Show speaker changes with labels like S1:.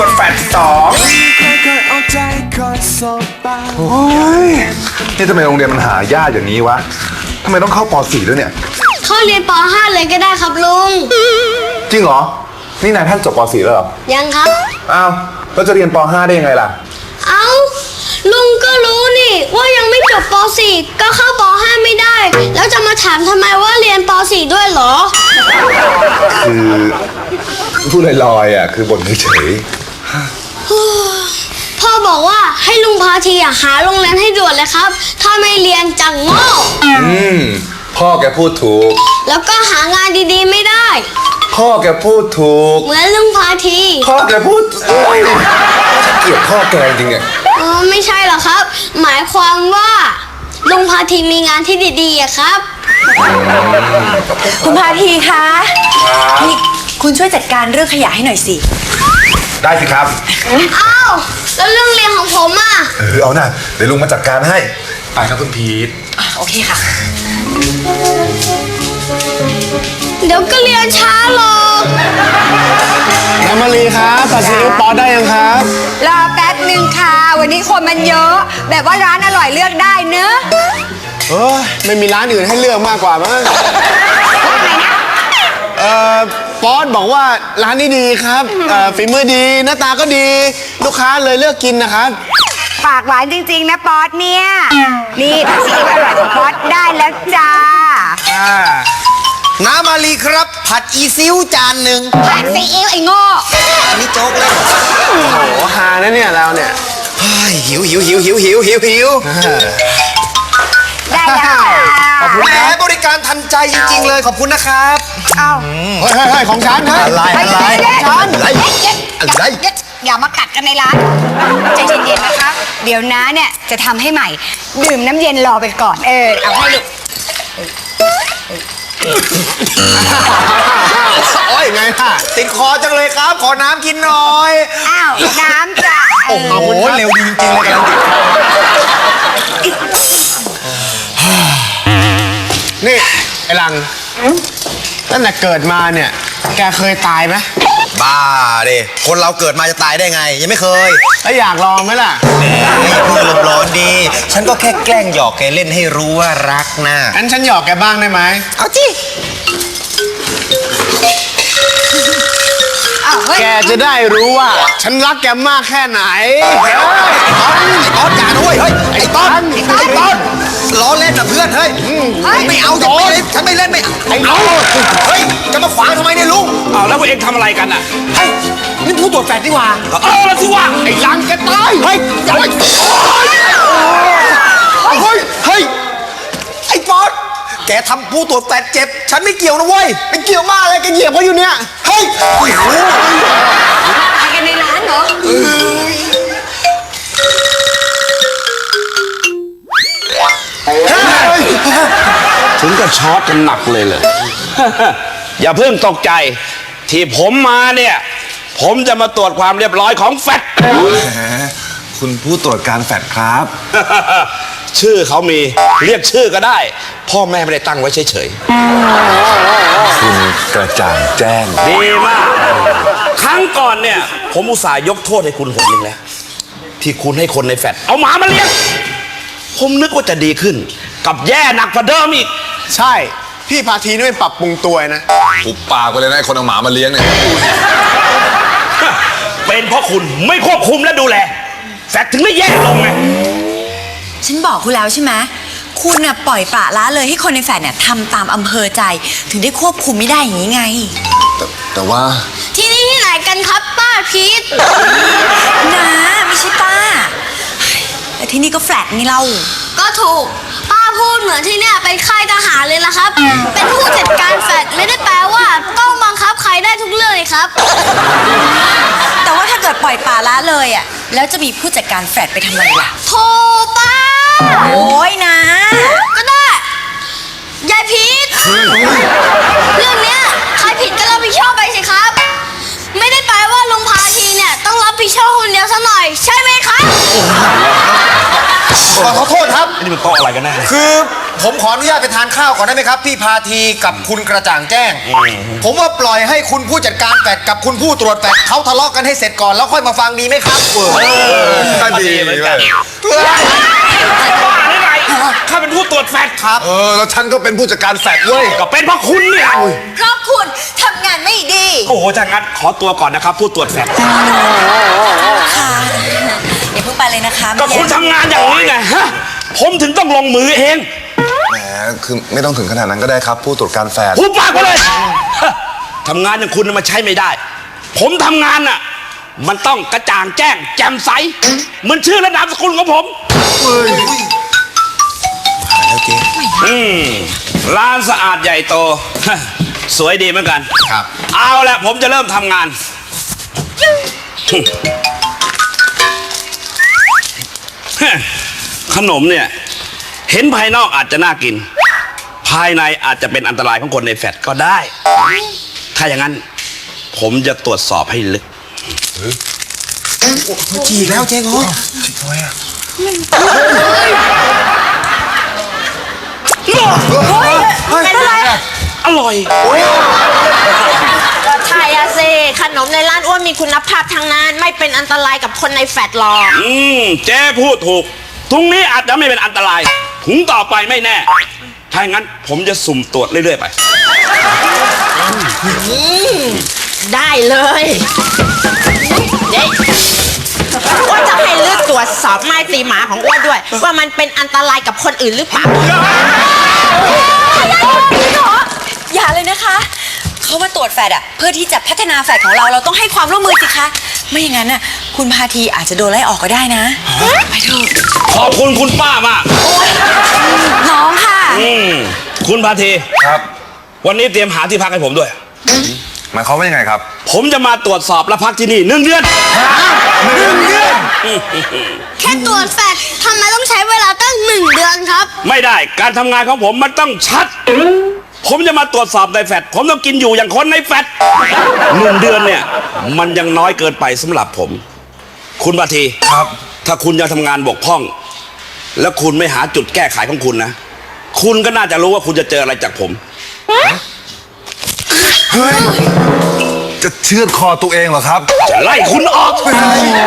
S1: วจแฟด2โอ้ยนี่ทำไมโรงเรียนมันหายากอย่างนี้วะทำไมต้องเข้าป .4 ด้วยเนี่ย
S2: เข้าเรียนป .5 เลยก็ได้ครับลุง
S1: จริงเหรอนี่นายท่านจบป .4 แล้วเหรอ
S2: ยังครับ
S1: อ้าวแล้วจะเรียนป .5 ได้ยังไงล่ะ
S2: เอ้าลุงก็รู้นี่ว่ายังไม่จบป .4 ก็เข้าป .5 ไม่ได้แล้วจะมาถามทำไมว่าเรียนป .4 ด้วยเหรอ
S1: คือพูดลอยๆอ่ะคือบ่นเฉย
S2: พ่อบอกว่าให้ลุงพาทีหาโรงเรียนให้ด่วนเลยครับถ้าไม่เรียนจังโง่
S1: พ่อแกพูดถูก
S2: แล้วก็หางานดีๆไม่ได้
S1: พ่อแกพูดถูก
S2: เหมือนลุงพาที
S1: พ่อแกพูดเกลียดพ่อแกจริงๆอ่ะ
S2: ไม่ใช่หรอกครับหมายความว่าลุงพาทีมีงานที่ดีๆอะครับ
S3: คุณพาทีคะนี่คุณช่วยจัดการเรื่องขยะให้หน่อยสิ
S1: ได้สิครับ
S2: อ้าวแล้วเรื่องเรียนของผมอ่ะ
S1: เอาหน่าเดี๋ยวลุงมาจัดการให้ไปครับคุณพีท
S3: โอเคค่ะ
S2: เดี๋ยวก็เรียนช้าหรอก
S1: น้ำมาลีครับตัดซีอิ๊วป๊อตได้ยังครับ
S3: รอแป๊บนึงค่ะวันนี้คนมันเยอะแบบว่าร้านอร่อยเลือกได้เนอะ
S4: ไม่มีร้านอื่นให้เลือกมากกว่ามั้งป๊อตบอกว่าร้านนี้ดีครับฝีมือดีหน้าตาก็ดีลูกค้าเลยเลือกกินนะครับ
S3: ปากหวานจริงๆนะป๊อตเนี่ยนี่ผัดซีอิ๊วอร่อยของป๊อตได้แล้วจ้า
S5: น้ำมาลีครับผัดอีซิวจานหนึ่ง
S3: ผัดซีอิ๊วไอ้โง่
S5: อันนี้โจ๊กเลย
S4: โอ้โหฮานะเนี่ยเราเนี่ย
S5: หิว
S3: ได้แล้ว
S5: ขอบคุณแหมบริการทันใจจริงๆเลยขอบคุณนะครับ
S3: อ้าว
S4: เฮ้ยของฉัน
S5: อะไร
S3: อย่ามากัดกันในร้านใจเย็นๆนะคะเดี๋ยวน้าเนี่ยจะทำให้ใหม่ดื่มน้ำเย็นรอไปก่อนเอาให้ลูก
S5: โอ้ยไงล่ะติดคอจังเลยครับขอน้ำกินหน่อย
S3: อ้าวน้ำจ้ะ
S5: โอ้โหเร็วดีจริงๆเลยกำลังติด
S4: นี่ไอ้ลังตั้งแต่เกิดมาเนี่ยแกเคยตายไหม
S5: บ้าดิคนเราเกิดมาจะตายได้ไงยังไม่เคย
S4: แล้วอยากลองไหมล่ะ
S5: แหมพูดลมร้อนดีฉันก็แค่แกล้งหยอกแกเล่นให้รู้ว่ารักนะ
S4: งั้นฉันหยอกแกบ้างได้ไหม
S5: เอาจิ
S4: แกจะได้รู้ว่าฉันรักแกมากแค่ไหน
S5: ต้นอย่าด้วยเฮ้ยไอ้ต้นล้อเล่นนะเพื่อนเฮ้ยไม่เอาจะไม่เล่นฉันไม่เล่นไม่เอาเฮ้ยจะมาขวางทำไมเนี่ยลุง
S1: แล้วพวกเองทำอะไรกันอ่ะ
S5: เฮ้ยนี่ผู้ตรวจแฟดดีกว่า
S1: แล้วสิวะ
S4: ไอ้ลังแกตาย
S5: เฮ้ยไอ้ป๊อตแกทำผู้ตรวจแฟดเจ็บฉันไม่เกี่ยวนะเว้ย
S4: ไม่เกี่ยวมากอะไรแกเหยียบเขาอยู่เนี่ย
S5: เฮ้ย
S3: ตายกันในร้านเหรอ
S6: ถึงกับช็อตกันหนักเลยอย่าเพิ่งตกใจที่ผมมาเนี่ยผมจะมาตรวจความเรียบร้อยของแฟด
S1: คุณผู้ตรวจการแฟดครับ
S6: ชื่อเขามีเรียกชื่อก็ได้พ่อแม่ไม่ได้ตั้งไว้เฉย
S1: ๆคุณกระจ่างแจ้ง
S6: ดีมากครั้งก่อนเนี่ยผมอุตส่าห์ยกโทษให้คุณหนนึงแล้วที่คุณให้คนในแฟดเอาหมามาเลี้ยงผมนึกว่าจะดีขึ้นกับแย่หนักกว่าเดิมอีก
S4: ใช่พี่พาทีนี่ไม่ปรับปรุงตัวนะ
S1: ปุบปากไปเลยนะคนเอาหมามาเลี้ยงเนี่ย
S6: เป็นเพราะคุณไม่ควบคุมและดูแลแฟดถึงได้แย่ลงไง
S3: ฉันบอกคุณแล้วใช่ไหมคุณน่ะปล่อยปละละเลยให้คนในแฟดเนี่ยทำตามอำเภอใจถึงได้ควบคุมไม่ได้อย่างนี้ไง
S1: แต่ว่า
S2: ที่นี่ที่ไหนกันครับป้าพีท
S3: นะไม่ใช่ป้าแต่ที่นี่ก็แฟลตนี่เรา
S2: ก็ถูกป้าพูดเหมือนที่เนี่ยเป็นค่ายทหารเลยละครับเป็นผู้จัดการแฟลตไม่ได้แปลว่าต้องบังคับใครได้ทุกเรื่องเลยครับ
S3: แต่ว่าถ้าเกิดปล่อยปละละเลยอ่ะแล้วจะมีผู้จัดการแฟลตไปทำไมล่ะ
S2: โธ่ป้า
S3: โอ้ยนะ
S2: ก็ได้ยายพีทเรื่องเนี้ยใครผิดก็รับผิดชอบไปสิครับไม่ได้แปลว่าลุงพาทีเนี่ยต้องรับผิดชอบคนเดียวซะหน่อยใช่ไหมครับ
S5: ขอโทษครับ
S6: นี่มันโต๊ะอะไรกันแน่
S5: คือผมขออนุญาตไปทานข้าวก่อนได้ไหมครับ พี่พาทีกับคุณกระจ่างแจ้ง ผมว่าปล่อยให้คุณผู้จัดการแฟดกับคุณผู้ตรวจแฟดเขาทะเลาะกันให้เสร็จก่อนแล้วค่อยมาฟังดีไหมครับ
S1: ก็ดีเหมือนกัน
S6: บ้าหรือไงข้าเป็นผู้ตรวจแฟดครับ
S1: แล้วฉันก็เป็นผู้จัดการแฟดเว้ย
S6: ก็เป็นเพราะคุณเนี่ย
S3: เพราะคุณทำงานไม่ดี
S6: โอ้โหถ้างั้นขอตัวก่อนนะครับ ผู้ตรวจแฟด
S3: ค่ะอย่าเพิ่งไปเลยนะคะ
S6: ก็คุณทำงานอย่างนี้ไงฮะผมถึงต้องลงมือเอง
S1: แหม คือไม่ต้องถึงขนาดนั้นก็ได้ครับ ผู้ตรวจการแฟด
S6: พูดปากไปเลยฮะทำงานอย่างคุณน่ะมาใช้ไม่ได้ ผมทำงานน่ะ มันต้องกระจ่างแจ้ง แจ่มใสเหมือนชื่อและนามสกุลของผม
S5: แล้วเจ๊
S6: ร้านสะอาดใหญ่โต สวยดีเหมือนกัน
S5: ครับ
S6: เอาละผมจะเริ่มทำงาน ขนมเนี่ย เห็นภายนอกอาจจะน่ากิน ภายในอาจจะเป็นอันตรายของคนในแฟลตก็ได้ ถ้าอย่างนั้น ผมจะตรวจสอบให้ลึก
S5: จีกแล้วเจ๊งอ
S2: เป็นอะไร
S6: อร่อย
S2: ก็ใช่อะสิขนมในร้านอ้วนมีคุณภาพทางนั้นไม่เป็นอันตรายกับคนในแฟดหรอก
S6: เจ๊พูดถูกถุงนี้อาจจะไม่เป็นอันตรายถุงต่อไปไม่แน่ ถ้าอย่างนั้นผมจะสุ่มตรวจเรื่อยๆไป
S2: ได้เลยเด็กอ้วนจะให้เลือกตรวจสอบไม้ตีหมาของอ้วนด้วย ว่ามันเป็นอันตรายกับคนอื่นหรือเปล่า
S3: อย่าเลยนะคะ เขามาตรวจแฟดอะเพื่อที่จะพัฒนาแฟดของเราต้องให้ความร่วมมือสิคะ ไม่อย่างนั้นน่ะคุณพาทีอาจจะโดนไล่ออกก็ได้นะ ไปเถอะ
S6: ขอบคุณคุณป้ามาก
S3: น้องค่ะ
S6: คุณพาที
S1: ครับ
S6: วันนี้เตรียมหาที่พักให้ผมด้วย
S1: หมายความว่ายังไงครับ
S6: ผมจะมาตรวจสอบและพักที่นี่1 เดือน
S1: 1 เดือน
S2: แค่ตรวจแฟดทำไมต้องใช้เวลาตั้ง1 เดือนครับ
S6: ไม่ได้การทำงานของผมมันต้องชัด ผมจะมาตรวจสอบในแฟดผมต้องกินอยู่อย่างคนในแฟด1 เดือนเนี่ย มันยังน้อยเกินไปสำหรับผม คุณพาที
S1: ครับ
S6: ถ้าคุณยังทำงานบกพร่อง แล้วคุณไม่หาจุดแก้ไขของคุณนะ คุณก็น่าจะรู้ว่าคุณจะเจออะไรจากผม
S1: เฮ้ย จะเชือดคอตัวเองเหรอครับ
S6: จะไล่คุณออก
S1: เฮ้ย